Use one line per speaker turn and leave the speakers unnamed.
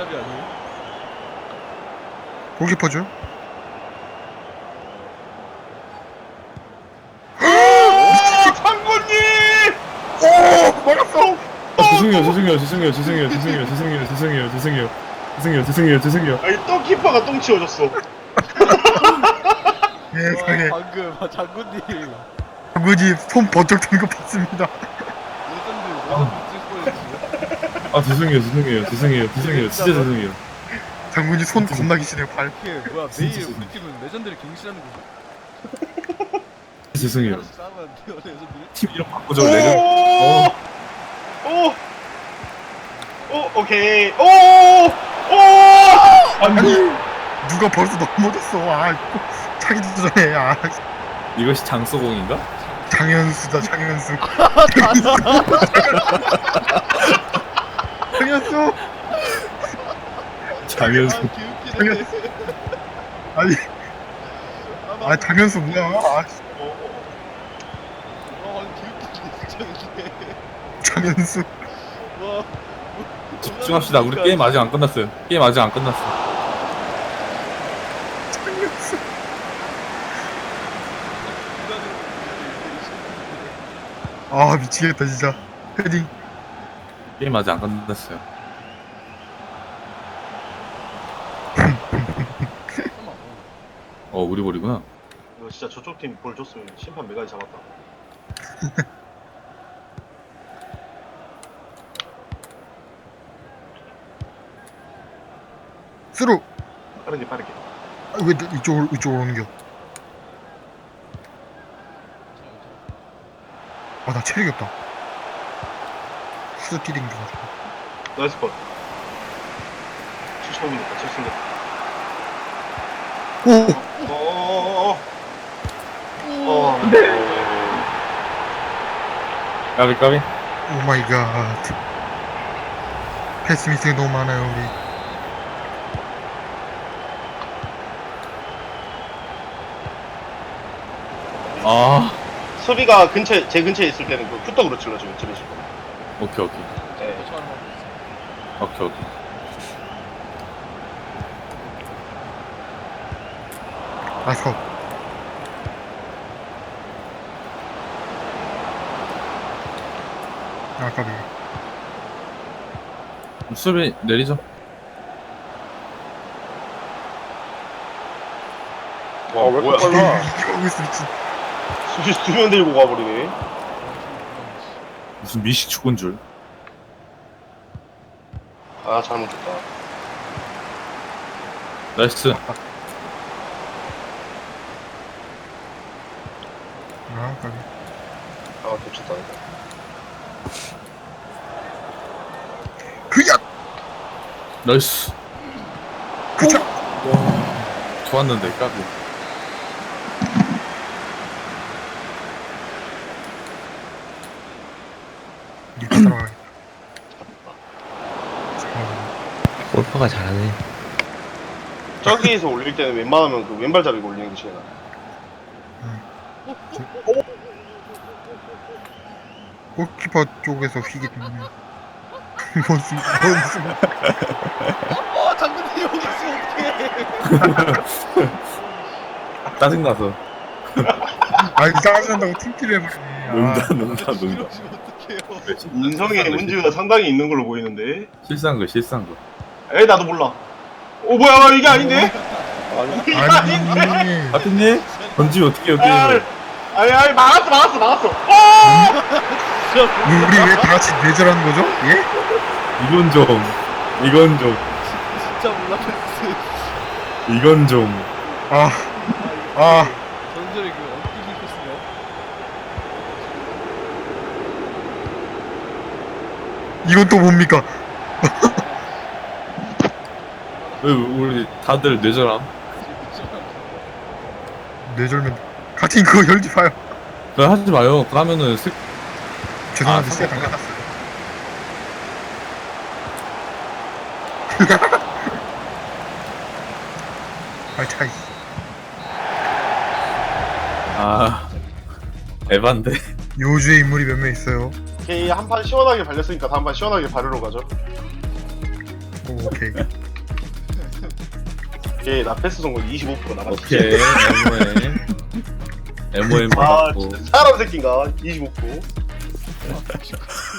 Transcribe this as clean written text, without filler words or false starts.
개잡이 아니에요?
골키퍼죠?
장군님!
오! 막았어!
죄송해요.
아니 또 키퍼가 똥 치워줬어.
세상에.
방금 장군님
장군이 손 번쩍 드는 거 봤습니다.
레전드
죄송해요. 진짜 죄송해요.
장군이 손 겁나 기시네요, 발.
이게 뭐야 매일 우리 팀은 레전드를 갱신하는 거지.
죄송해요.
싸우면 안 돼요 레전드를.
팀 이름 바꾸죠, 레전.
오케이. 오!
아니, 누가 벌써 넘어졌어. 아, 차기도 전에. 아,
이것이 장소공인가?
장현수다, 장현수. 장현수!
장현수.
개웃기네.
아니, 아, 장현수 뭐야. 아,
개웃기네 진짜 이게.
장현수.
와.
집중합시다. 우리 게임 아직 안 끝났어요. 게임 아직 안 끝났어.
장현수. 아, 미치겠다, 진짜. 헤딩.
게임 아직 안 끝났어요. 우리 볼이구나.
이거 진짜 저쪽 팀 볼 줬으면 심판 메가지 잡았다.
스루.
빠르게.
아, 왜 이쪽으로 옮겨? 아, 나 체력이 없다. 스티링 돼가지고.
나이스 컷. 75mm, 70mm.
오!
까비.
오 마이 갓. 패스 미스가 너무 많아요, 우리.
아,
수비가 제 근처에 있을 때는 그 푸떡으로 찔러주면 찔러주고.
오케이.
네.
오케이.
나이스 컷. 아, 까비.
수비 내리죠.
와, 왜 이렇게 빨라?
이거 하고 있어, 미친.
수비 2명 들고 가버리네.
무슨 미식 축구인 줄.
아, 잘못했다.
나이스.
아, 까비.
아, 겹쳤다.
그야!
나이스.
그차!
좋았는데 까비.
이렇게 따라가야겠다.
골퍼가 잘하네.
저기에서 올릴 때는 웬만하면 그 왼발 잡이고 올리는 게 제일 나아.
골키퍼 쪽에서 휘기 때문에. 뭔
장군님 여기 있으면 어떡해.
짜증나서.
아, 이상하게 한다고 팀킬을 해버리네. 아,
농담.
이러시면 어떡해요.
인성에 문제가 상당히 있는 걸로 보이는데.
실수한 거.
에이, 나도 몰라. 뭐야, 이게 아닌데?
아니.
하트님 던지면 어떻게 여기
아니, 막았어.
우리 왜 다 같이 뇌절하는 거죠? 예?
이건 좀
진짜 몰랐어.
이건 좀
아, 아.
전설의 그 엉뚱이 코스네요.
이건 또 뭡니까?
왜 우리 다들 뇌절함?
뇌절면 같이 그거 열지 마요.
그거 하지 마요. 그러면은
죄송한데
아,
시작 안 끝났어요. 아, 차이.
에반데.
요주의 인물이 몇 명 있어요.
오케이, 한 판 시원하게 발렸으니까 다음 판 시원하게 바르러 가죠.
오, 오케이.
얘나 패스 성공 25% 나갔어.
오케이 MOM
아
받았고
진짜 사람 새끼인가 25%.